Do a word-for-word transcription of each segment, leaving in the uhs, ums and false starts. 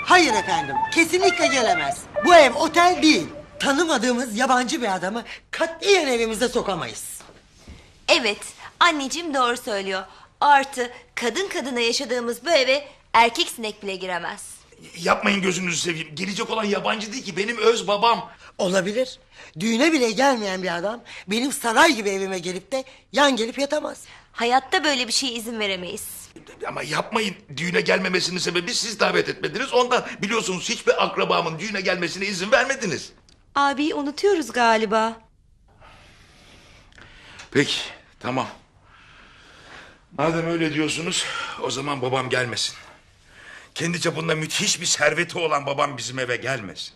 Hayır efendim, kesinlikle gelemez. Bu ev otel değil. Tanımadığımız yabancı bir adamı katiyen evimize sokamayız. Evet, anneciğim doğru söylüyor. Artı kadın kadına yaşadığımız bu eve erkek sinek bile giremez. Yapmayın gözünüzü seveyim. Gelecek olan yabancı değil ki, benim öz babam. Olabilir. Düğüne bile gelmeyen bir adam benim saray gibi evime gelip de yan gelip yatamaz. Hayatta böyle bir şeye izin veremeyiz. Ama yapmayın. Düğüne gelmemesinin sebebi siz davet etmediniz. Ondan biliyorsunuz hiçbir akrabamın düğüne gelmesine izin vermediniz. Abiyi unutuyoruz galiba. Peki, tamam. Madem öyle diyorsunuz, o zaman babam gelmesin. Kendi çapında müthiş bir serveti olan babam bizim eve gelmesin.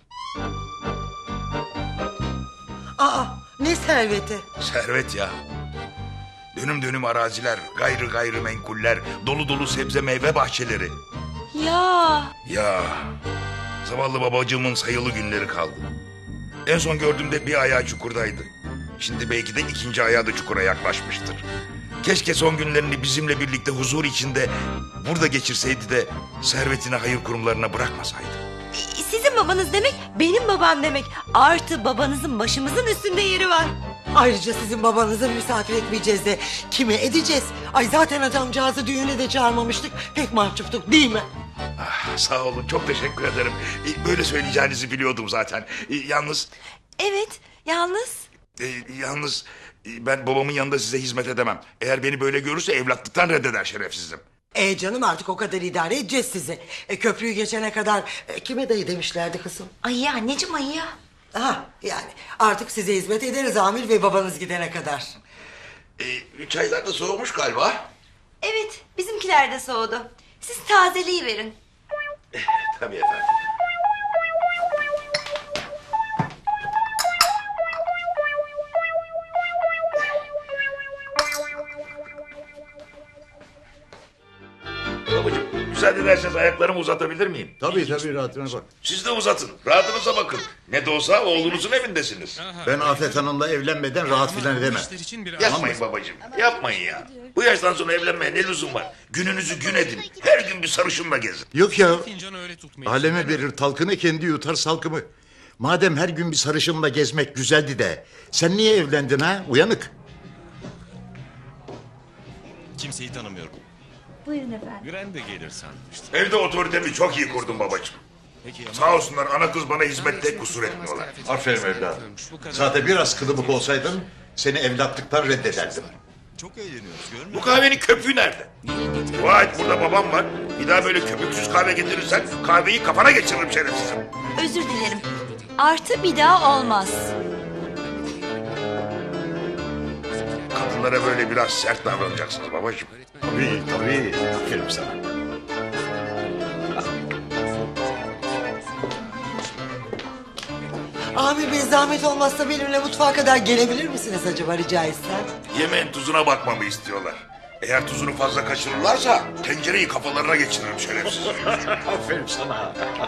Aa, ne serveti? Servet ya. Dönüm dönüm araziler, gayrı gayrı menkuller, dolu dolu sebze meyve bahçeleri. Ya Ya, zavallı babacığımın sayılı günleri kaldı. En son gördüğümde bir ayağı çukurdaydı. Şimdi belki de ikinci ayağı da çukura yaklaşmıştır. Keşke son günlerini bizimle birlikte huzur içinde burada geçirseydi de servetini hayır kurumlarına bırakmasaydı. sizin babanız demek benim babam demek. Artı babanızın başımızın üstünde yeri var. Ayrıca sizin babanızı misafir etmeyeceğiz de kime edeceğiz? Ay zaten adamcağızı düğüne de çağırmamıştık. Pek mahcuptuk değil mi? Ah, sağ olun, çok teşekkür ederim. Ee, Böyle söyleyeceğinizi biliyordum zaten. Ee, Yalnız... Evet, yalnız. e, Yalnız e, ben babamın yanında size hizmet edemem. Eğer beni böyle görürse evlatlıktan reddeder şerefsizim. E canım artık o kadar idare edeceğiz sizi. E, köprüyü geçene kadar e, kime dayı demişlerdi kızım? Ay anneciğim ay ya. Ha yani artık size hizmet ederiz Amil ve babanız gidene kadar. Ee, çaylar da soğumuş galiba. Evet, bizimkiler de soğudu. Siz tazeliği verin. Tabii efendim. Babacığım, müsaade ederseniz ayaklarımı uzatabilir miyim? Tabii tabii rahatına bak. Siz de uzatın, rahatınıza bakın. Ne de olsa oğlunuzun evindesiniz. Ben Afet Hanım'la evlenmeden rahat filan edemem. Yapmayın babacığım, yapmayın ya. Bu yaştan sonra evlenmeye ne lüzum var? Gününüzü gün edin, her gün bir sarışınla gezin. Yok ya. Fincanı öyle tutmayın. Aleme verir talkını, kendi yutar salkımı. Madem her gün bir sarışınla gezmek güzeldi de sen niye evlendin ha? Uyanık. Kimseyi tanımıyorum. Buyurun efendim. Güren de gelir sanmıştım. Evde otoritemi çok iyi kurdum babacığım. Peki ama... Sağ olsunlar, ana kız bana hizmette kusur etmiyorlar. Aferin evladım. Zaten biraz kılıbık olsaydın seni evlatlıktan reddederdim. Çok eğleniyoruz görmüyor Bu kahvenin köpüğü nerede? Dua et, burada babam var. Bir daha böyle köpüksüz kahve getirirsen kahveyi kafana geçiririm şerefsizim. Özür dilerim. Artı bir daha olmaz. Kadınlara böyle biraz sert davranacaksınız babacığım. Tabii tabii. Aferin sana. Amil Bey zahmet olmazsa benimle mutfağa kadar gelebilir misiniz acaba rica etsem? Yemeğin tuzuna bakmamı istiyorlar. Eğer tuzunu fazla kaçırırlarsa tencereyi kafalarına geçiririm şerefsizim. Aferin sana.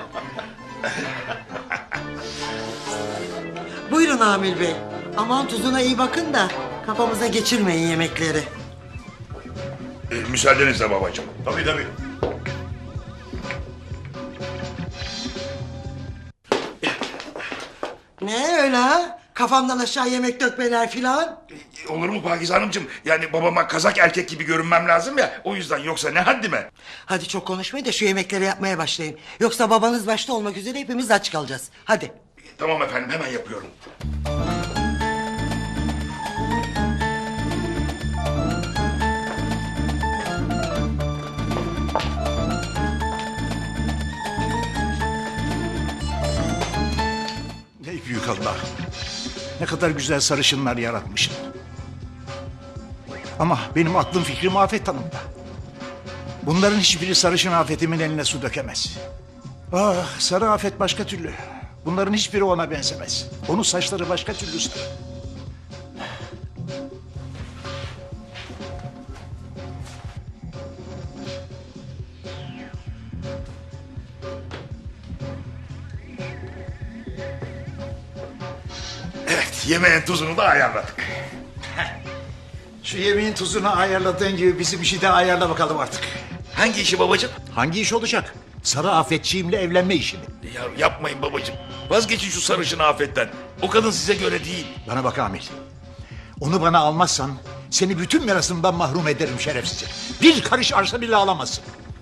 Buyurun Amil Bey. Aman tuzuna iyi bakın da kafamıza geçirmeyin yemekleri. Ee, müsaadenizle babacığım. Tabii tabii. Ne öyle ha? Kafamdan aşağı yemek dökmeler filan. Ee, Olur mu Pakize Hanımcığım? Yani babama kazak erkek gibi görünmem lazım ya. O yüzden, yoksa ne haddime? Hadi çok konuşmayın da şu yemekleri yapmaya başlayın. Yoksa babanız başta olmak üzere hepimiz aç kalacağız. Hadi. Tamam efendim, hemen yapıyorum. Ey büyük Allah. Ne kadar güzel sarışınlar yaratmışsın. Ama benim aklım fikrim Afet Hanım'da. Bunların hiçbiri sarışın Afet'imin eline su dökemez. Ah, sarı Afet başka türlü. Bunların hiçbiri ona benzemez. Onun saçları başka türlü sarı. Evet, yemeğin tuzunu da ayarladık. Şu yemeğin tuzunu ayarladığın gibi bizim işi de ayarla bakalım artık. Hangi işi babacığım? Hangi iş olacak? Sarı Afetçiğimle evlenme işini. Ya yapmayın babacığım. Vazgeçin şu sarışın afetten. O kadın size göre değil. Bana bak Amil. Onu bana almazsan seni bütün mirasımdan mahrum ederim şerefsizim. Bir karış arsa bile alamazsın.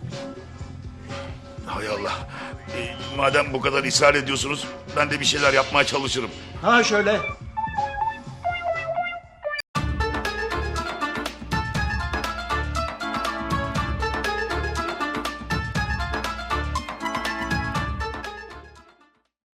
Hay Allah. E, madem bu kadar ısrar ediyorsunuz ben de bir şeyler yapmaya çalışırım. Ha şöyle.